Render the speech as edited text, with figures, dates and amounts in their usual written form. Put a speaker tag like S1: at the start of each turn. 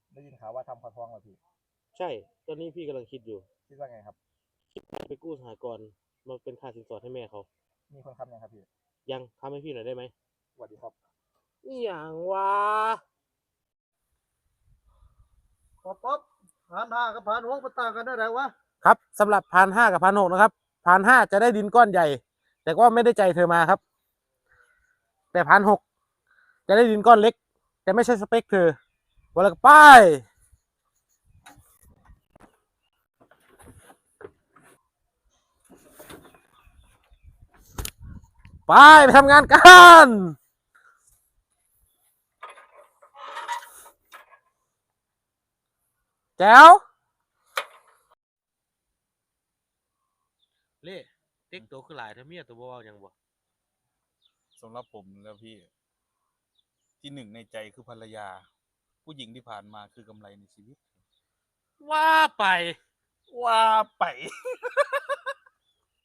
S1: ได้ยินข่าวว่าทำพอท้องเหรอพี่
S2: ใช่ตอนนี้พี่กำลังคิดอยู่
S1: คิดว่าไงครับ
S2: ไปกู้สหกรณ์มาเป็นค่าสินสอดให้แม่เขา
S1: มีคนคำยังครับพี่
S2: ยังทำให้พี่หน่อยได้ไหม
S1: สวัสดีครับ
S2: นี่อย่างวะ
S3: ป๊อป1,500กับ1,600มันต่างกันได้ไหนวะ
S2: ครับสำหรับ1,500กับ1,600นะครับ1,500จะได้ดินก้อนใหญ่แต่ก็ไม่ได้ใจเธอมาครับแต่1,600จะได้ดินก้อนเล็กแต่ไม่ใช่สเปคเธอวันละป้ายไปทำงานกันแจ๋วเล่ติ๊กตัวคือหลายเธอเมียตัวบ่ยังบ่
S4: สำหรับผมแล้วพี่ที่หนึ่งในใจคือภรรยาผู้หญิงที่ผ่านมาคือกำไรในชีวิต
S2: ว่าไป
S4: ว่าไป